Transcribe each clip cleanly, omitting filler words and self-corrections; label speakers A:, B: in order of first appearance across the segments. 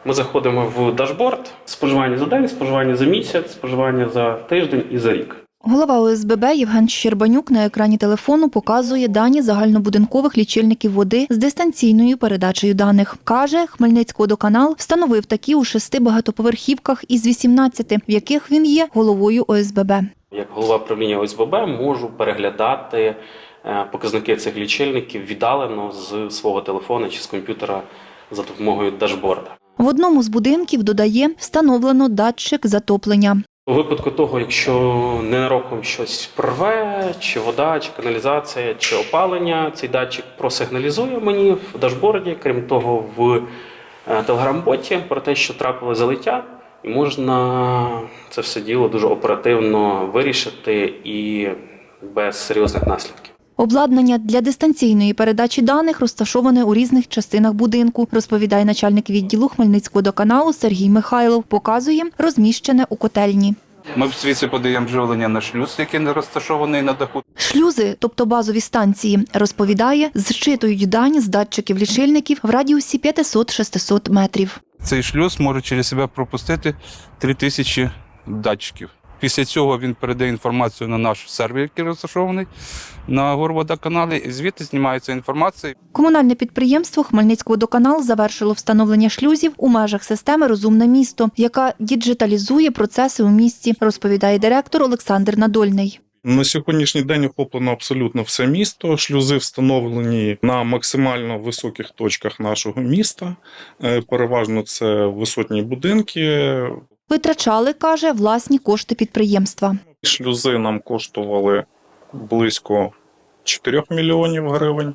A: Ми заходимо в дашборд, споживання за день, споживання за місяць, споживання за тиждень і за рік.
B: Голова ОСББ Євген Щербанюк на екрані телефону показує дані загальнобудинкових лічильників води з дистанційною передачею даних. Каже, Хмельницькводоканал встановив такі у 6 багатоповерхівках із 18, в яких він є головою ОСББ.
A: Як голова правління ОСББ можу переглядати показники цих лічильників віддалено з свого телефона чи з комп'ютера за допомогою дашборда.
B: В одному з будинків, додає, встановлено датчик затоплення.
A: У випадку того, якщо ненароком щось прорве, чи вода, чи каналізація, чи опалення, цей датчик просигналізує мені в дашборді, крім того, в телеграм-боті про те, що трапило залиття, і можна це все діло дуже оперативно вирішити і без серйозних наслідків.
B: Обладнання для дистанційної передачі даних розташоване у різних частинах будинку, розповідає начальник відділу Хмельницькводоканалу Сергій Михайлов. Показує розміщене у котельні.
C: Ми звідси подаємо живлення на шлюз, який не розташований на даху.
B: Шлюзи, тобто базові станції, розповідає, зчитують дані з датчиків лічильників в радіусі 500-600 метрів.
C: Цей шлюз може через себе пропустити 3000 датчиків. Після цього він передає інформацію на наш сервер, який розташований на Горводоканалі, і звідти знімається інформація.
B: Комунальне підприємство Хмельницькводоканал завершило встановлення шлюзів у межах системи «Розумне місто», яка діджиталізує процеси у місті, розповідає директор Олександр Надольний.
D: На сьогоднішній день охоплено абсолютно все місто. Шлюзи встановлені на максимально високих точках нашого міста. Переважно це висотні будинки.
B: Витрачали, каже, власні кошти підприємства.
D: Шлюзи нам коштували близько 4 мільйонів гривень.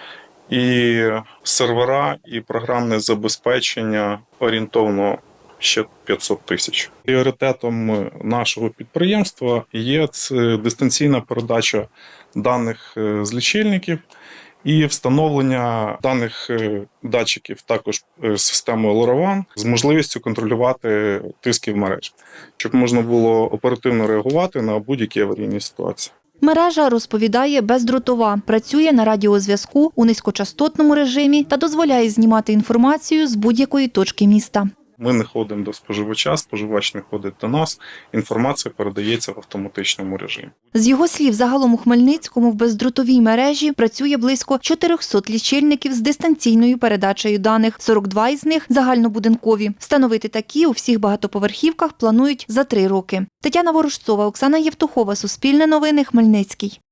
D: І сервера, і програмне забезпечення орієнтовно ще 500 тисяч. Пріоритетом нашого підприємства є дистанційна передача даних з лічильників і встановлення даних датчиків також системою LoRaWAN з можливістю контролювати тиски в мережі, щоб можна було оперативно реагувати на будь-які аварійні ситуації.
B: Мережа, розповідає, бездротова, працює на радіозв'язку у низькочастотному режимі та дозволяє знімати інформацію з будь-якої точки міста.
D: Ми не ходимо до споживача, споживач не ходить до нас, інформація передається в автоматичному режимі.
B: З його слів, загалом у Хмельницькому в бездротовій мережі працює близько 400 лічильників з дистанційною передачею даних, 42 із них загальнобудинкові. Встановити такі у всіх багатоповерхівках планують за 3 роки. Тетяна Ворожцова, Оксана Євтухова, Суспільне новини, Хмельницький.